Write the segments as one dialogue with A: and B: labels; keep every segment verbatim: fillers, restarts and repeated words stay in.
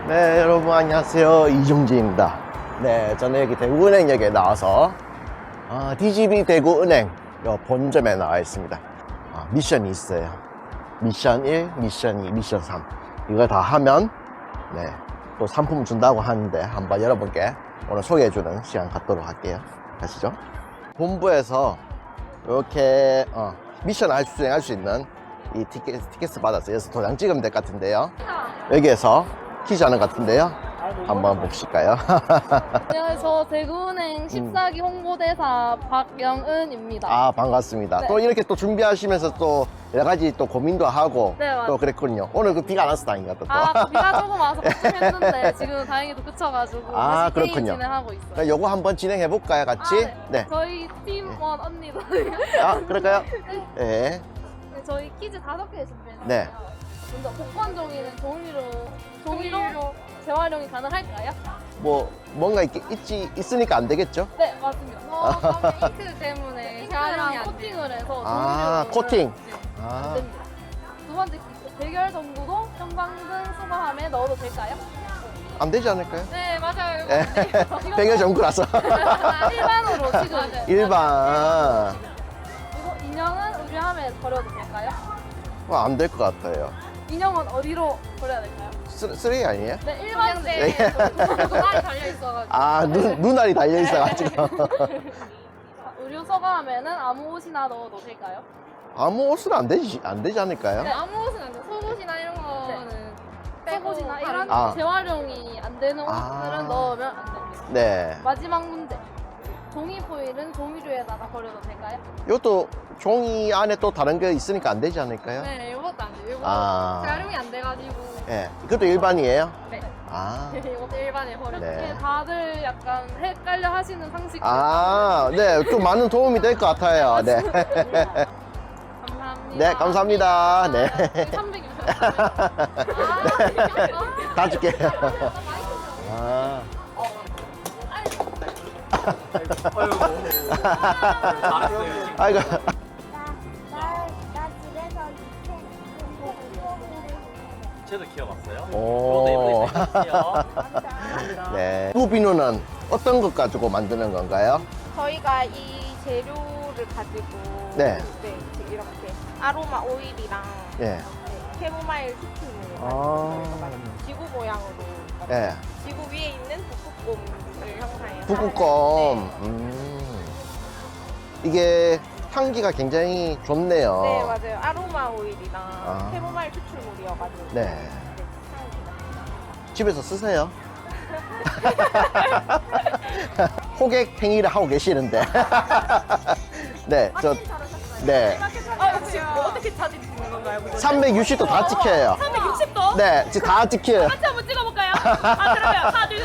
A: 네, 여러분 안녕하세요. 이종재입니다. 네, 저는 여기 대구은행역에 나와서 어, 디지비 대구은행 본점에 나와 있습니다. 어, 미션이 있어요. 미션 일, 미션 이, 미션 삼. 이거 다 하면 네, 또 상품 준다고 하는데 한번 여러분께 오늘 소개해주는 시간 갖도록 할게요. 가시죠. 본부에서 이렇게 어, 미션 할 수, 수행할 수 있는 이 티켓, 티켓을 받았어요. 그래서 도장 찍으면 될 것 같은데요. 여기에서 퀴즈 하는 것 같은데요. 한번 보실까요?
B: 네, 저 대구은행 십사 기 홍보대사 박영은입니다.
A: 아, 반갑습니다.
B: 네.
A: 또 이렇게 또 준비하시면서 또 여러 가지 또 고민도 하고
B: 네, 맞아요.
A: 또 그랬군요. 오늘 그 비가 안 와서 다행인 것 같다.
B: 아, 비가 조금 와서 걱정했는데 지금 다행히도 그쳐가지고
A: 아,
B: 다시 게임
A: 그렇군요.
B: 진행하고 있어요.
A: 그럼 요거 한번 진행해 볼까요, 같이?
B: 아, 네.
A: 네.
B: 저희 팀원 언니들
A: 아, 그럴까요? 네.
B: 네, 저희 퀴즈 다섯 개 준비했어요.
A: 네.
B: 먼저 복권 종이는 종이로 종이로 재활용이 가능할까요?
A: 뭐 뭔가 있, 있지 있으니까 안 되겠죠?
B: 네, 맞습니다. 어, 잉크 때문에 재활용이 안 코팅을 해서
A: 아,
B: 종이로
A: 코팅.
B: 안
A: 아,
B: 됩니다. 두 번째 퀴즈, 대결 정보도 형광등 수거함에 넣어도 될까요?
A: 안 되지 않을까요?
B: 네, 맞아요.
A: 네. 백여 정구라서.
B: 일반으로 지금
A: 일반.
B: 그리고 인형은 의류함에 버려도 될까요?
A: 어, 안 될 것 같아요.
B: 인형은 어디로 버려야 될까요?
A: 쓰, 쓰레기 아니에요?
B: 네, 일반대
A: 네.
B: 눈알이 달려 있어가지고.
A: 아, 눈, 눈알이 달려있어가지고.
B: 의류 서가함에는 아무 옷이나 넣어도 될까요?
A: 아무 옷은 안 되지, 안 되지 않을까요?
B: 네, 아무 옷은 안 돼요. 속옷이나 이런 거는 속옷이나 이런
A: 아.
B: 재활용이 안 되는 옷들은
A: 아.
B: 넣으면 안 됩니다.
A: 네.
B: 마지막 문제. 종이 포일은 종이류에다가 버려도 될까요?
A: 이것도 종이 안에 또 다른 게 있으니까 안 되지 않을까요?
B: 네, 이것도 안 돼요. 이거
A: 아.
B: 재활용이 안 돼가지고.
A: 예. 이것도 일반이에요?
B: 네.
A: 아.
B: 이것도 일반에 버려.
A: 네.
B: 네. 다들 약간 헷갈려 하시는 상식.
A: 아, 네. 좀 많은 도움이 될 것 같아요. 네.
B: 감사합니다.
A: 네, 감사합니다. 네.
B: 삼백이요.
A: 다 줄게요. 아. 아이고.
C: 나, 나, 나 집에서
D: 쟤도 키워봤어요?
A: 오.
D: 저도 이번에 키워.
A: 네. 이 비누는 어떤 것 가지고 만드는 건가요?
E: 저희가 이 재료를 가지고
A: 네.
E: 네, 이렇게 아로마 오일이랑
A: 예.
E: 네, 캐모마일 스프를
A: 아.
E: 가지고 지구 모양으로
A: 예.
E: 지구 위에 있는 북극곰을 형상해서
A: 북극곰. 음. 이게 향기가 굉장히 좋네요.
E: 네, 네 맞아요. 아로마 오일이랑
A: 아.
E: 캐모마일 추출물이어가지고
A: 네.
E: 향기가.
A: 집에서 쓰세요. 호객 행위를 하고 계시는데. 네, 저, 네.
E: 아, 혹시 어떻게 찾으시는 건가요?
A: 삼백육십 도 다 찍혀요.
E: 삼백육십 도?
A: 네, 지금 다 찍혀요.
E: 같이 한번 찍어볼까요? 아, 그러면 하나, 둘,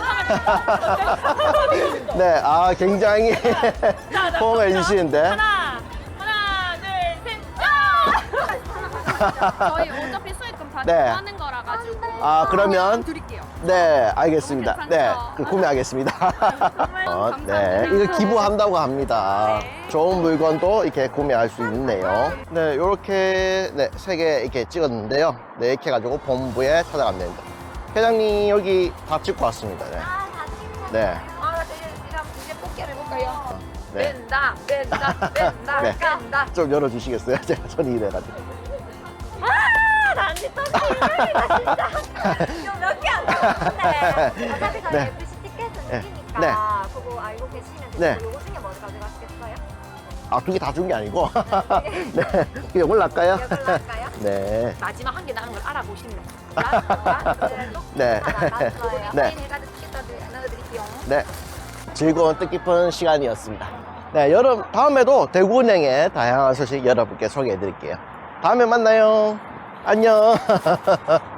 E: 셋,
A: 네, 아, 굉장히 호응해 주시는데.
E: 하나, 하나, 둘, 셋,
B: 저희 어차피 수익금 다
A: 네.
B: 하는 거라 가지고.
A: 아, 그러면.
B: 드릴게요.
A: 네, 알겠습니다.
B: 너무
A: 네,
B: 괜찮죠?
A: 그 구매하겠습니다. 어, 네,
B: 감사합니다.
A: 이거 기부한다고 합니다.
E: 네.
A: 좋은 물건도 이렇게 구매할 수 있네요. 네, 요렇게 네, 세 개 이렇게 찍었는데요. 네, 이렇게 해가지고 본부에 찾아가면 됩니다. 회장님 여기 다 찍고 왔습니다. 네.
C: 아, 다 찍는
A: 네.
E: 아, 이제 그럼 이제 뽑기를 해볼까요?
A: 네.
E: 뺀다, 뺀다, 뺀다,
A: 네.
E: 뺀다.
A: 좀 열어주시겠어요? 제가 손이 이래가지고.
C: 아, 난지 또 이러니까 진짜. 이거 몇 개 안 나왔는데. 어차피 저희
A: 네.
C: 에프씨 티켓은
A: 네.
C: 이기니까
A: 네.
C: 그거 알고 계시면 되고
A: 네.
C: 요거 중에 뭐 가져가시겠어요?
A: 아, 두 개 다 준 게 아니고. 네. 이걸 할까요?
C: 이걸로 할까요?
A: 네.
E: 마지막 한 개 남은 걸 알아보시면
A: 네.
C: 나갔어요.
A: 네.
E: 해가지고 티켓까지 넣어드릴게요.
A: 네. 즐거운 뜻깊은 시간이었습니다. 네, 여러분, 다음에도 대구은행의 다양한 소식 여러분께 소개해 드릴게요. 다음에 만나요. 안녕.